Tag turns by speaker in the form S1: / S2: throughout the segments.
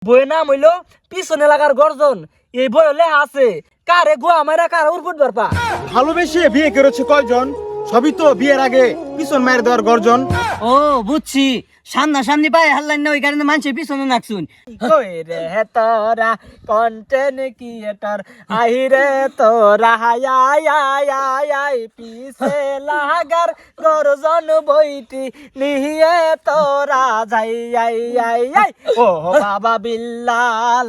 S1: বইয়ের নাম হইলো পিছনে লাগার গর্জন। এই বই লেখা আছে কারে গোয়া মারা কার উরফুট বারপা।
S2: ভালোবেসে বিয়ে করেছে কয়জন, সবই তো বিয়ের আগে পিছন মায়ের দেওয়ার গর্জন।
S3: ও বুঝছি, সামনাসামনি পায়ে হাল্লান না, ওই কারণে মানুষের পিছনে নাকছুন।
S1: কই রে তোরা কন্টেন্ট ক্রিয়েটর, আই রে তোরা হাই আই আই আই আই পিছে লাগার গর্জন বইটি নিয়ে তোরা যাই আই আই আই ও বাবা বিল্লাল।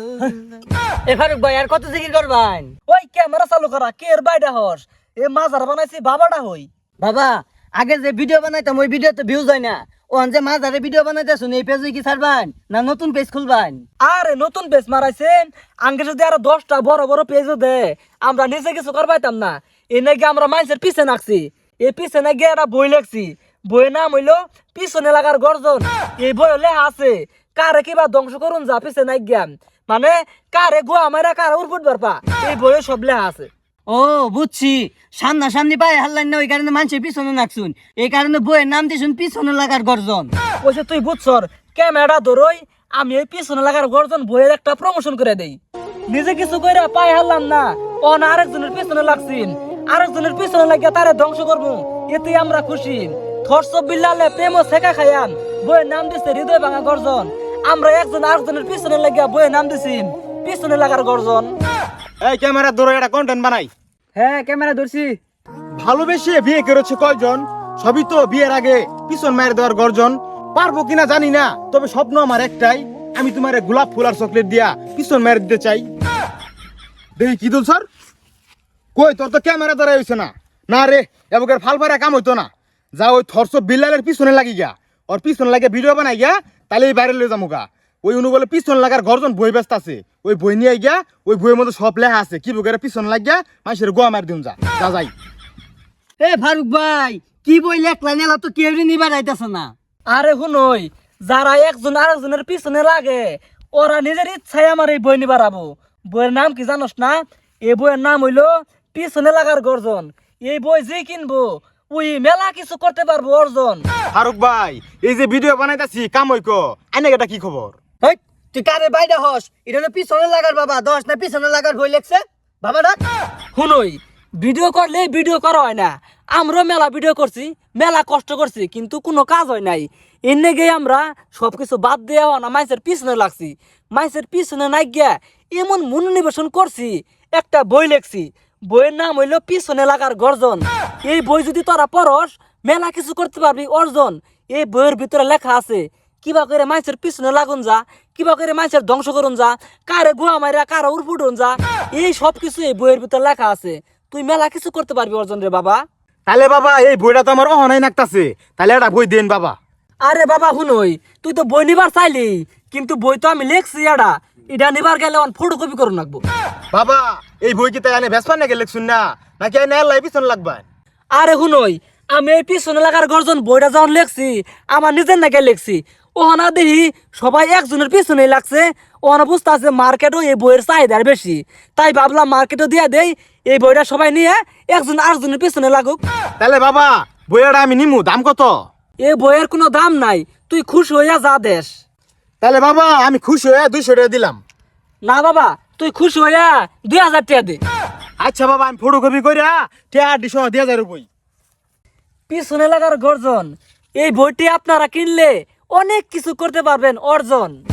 S3: এ ফারুক ভাই আর কত জিকির করবেন?
S1: ওই ক্যামেরা চালু করা কে এর বাইডা হস এ মাজার বানাইছি বাবাটা হই।
S3: বাবা আগে যে ভিডিও বানাইতাম ওই ভিডিও তো ভিউজ হয় না, ও যে মাঝারে ভিডিও বানাইতেছুন এই পেজে কি ছাড়বেন না নতুন পেজ খুলবেন?
S1: আরে নতুন পেজ মারাইছেন আঙ্গে যদি আরো 10টা বড় বড় পেজও দে আমরা নিজে কিছু করবাইতাম না। এ নাকি আমরা মানুষের পিছে নাকছি, এই পিছে নাকি একটা বই লেখছি, বইয়ের নাম হইলো পিছনে লাগার গর্জন। এই বই লেখা আছে কারে কিবা ধ্বংস করুন যা পিছে নাই জ্ঞান, মানে কারে গোয়া মারা কার উরফুট বারপা, এই বইয়ে সব লেখা আছে।
S3: ও বুঝছি, সামনাসামনি পায়ে হাল্লান না, ওই কারণে মানুষের পিছনে নাকছুন, এই কারণে বইয়ের নাম দিছুন পিছনে লাগার গর্জন।
S1: ওইসে তুই বুঝছর ক্যামেরা ধরই আমি এই পিছনে লাগার গর্জন বইয়ের একটা প্রমোশন করে দেই। নিজে কিছু কইরা পায়ে হারলাম না, ও না আরেকজনের পিছনে লাগছিন, আরেকজনের পিছনে লাগিয়া তারে ধ্বংস করবো, এতে আমরা খুশি। থরস বিল্লালে প্রেম শেখা খায়ান বইয়ের নাম দিছে হৃদয় ভাঙা গর্জন। আমরা একজন আরেকজনের পিছনে লাগিয়া বইয়ের নাম দিছি পিছনে লাগার গর্জন।
S2: এই ক্যামেরা ধরো, এটা কন্টেন্ট বানাই।
S1: হ্যাঁ ক্যামেরা ধরছি।
S2: ভালোবেসে বিয়ে করেছে কয়জন, সবই তো বিয়ের আগে পিছন মায়ের দেওয়ার গর্জন। পারবো কিনা জানি না, তবে স্বপ্ন আমার একটাই, আমি তোমার গোলাপ ফুল আর চকলেট দিয়া পিছন মায়ের দিতে চাই। দেখি কি দুল স্যার, কই তোর তো ক্যামেরা ধরা হয়েছে না। না রে, এবার ফাল ফারা কাম হইতো না, যা ওই থরস বিল্লালের পিছনে লাগি গা, ওর পিছনে লাগে ভিডিও বানাই গা, তাহলে এই বাইরে লয়ে যাবো গা। ওই অনু বলে পিছন লাগার গর্জন বই ব্যস্ত আছে, ওই বই নিয়ে গিয়া ওই বইয়ের মধ্যে সব লেখা আছে কি বুকের পিছন লাগিয়া মানুষের গোয়া মার দিন যা যা যাই।
S3: এ ফারুক ভাই কি বই লেখলেন, এলা তো কেউ নিবার আইতাছে না।
S1: আরে শুনই, যারা একজন আরেকজনের পিছনে লাগে ওরা নিজের ইচ্ছায় আমার এই বই নিবার আবো। বইয়ের নাম কি জানোস না? এই বইয়ের নাম হইলো পিছনে লাগার গর্জন। এই বই যে কিনবো ওই মেলা কিছু করতে পারবো অর্জন।
S2: ফারুক ভাই, এই যে ভিডিও বানাইতাছি কাম হইক, আইনে এটা কি খবর?
S3: হেই, তুই কারে বাইরে হস? এটা হলো পিছনে লাগার বাবা, 10 না পিছনে লাগার বই লেখছে বাবা ডাক।
S1: শুনই, ভিডিও করলে ভিডিও করা হয় না, আমরাও মেলা ভিডিও করছি, মেলা কষ্ট করছি, কিন্তু কোনো কাজ হয় নাই। এনে গিয়ে আমরা সবকিছু বাদ দেওয়া না মাইসের পিছনে লাগছি, মাইসের পিছনে নাই গিয়া এমন মনোনিবেশন করছি, একটা বই লেখছি, বইয়ের নাম হইলো পিছনে লাগার গর্জন। এই বই যদি তোরা পড়স মেলা কিছু করতে পারবি অর্জন। এই বইয়ের ভিতরে লেখা আছে কিবা করে মাইসের পিছনে লাগুন যা, কিবা করে মাইসের ধ্বংস করুন যা, কারে গুয়া মাইরা কারে উড়ফুটুন যা, এই সব কিছু এই বইয়ের ভিতরে লেখা আছে। তুই মেলা কিছু করতে পারবি অর্জন রে বাবা।
S2: তাহলে বাবা এই বইটা তো আমার অহনাই নাকতাছে, তাহলে এটা বই দেন বাবা।
S1: আরে বাবা শুনই, তুই তো বই নিবার চাইলি, কিন্তু বই তো আমি লেখছি এটা নিবার গেলে ফটোকপি করুন লাগবো।
S2: বাবা এই বই কি তাই আনে ভেসপান নাকি লেখছুন না, নাকি আইনে এলাই পিছন লাগবা?
S1: আরে শুনই, আমি এই পিছনে লাগার গর্জন বইটা যখন লেখছি আমার নিজের নাকি লেখছি, ওহনা দেখি সবাই একজনের পিছনে লাগছে, ওহনা বুঝতে আছে মার্কেটও এই বইয়ের চাহিদার বেশি, তাই ভাবলাম মার্কেটও দিয়ে দেই, এই বইটা সবাই নিয়ে একজন আরেকজনের পিছনে লাগুক।
S2: তাহলে বাবা বইটা আমি নিমু, দাম কত?
S1: এই বইয়ের কোনো দাম নাই, তুই খুশি হইয়া যা দেশ।
S2: তাহলে বাবা আমি খুশি হয়ে 200 টাকা দিলাম।
S1: না বাবা তুই খুশি হইয়া 2000 টাকা দে।
S2: আচ্ছা বাবা আমি ফটোকপি কইরা টাকা দিছ 2000 রুপই।
S1: পিছনে লাগার গর্জন এই বইটি আপনারা কিনলে অনেক কিছু করতে পারবেন অর্জন।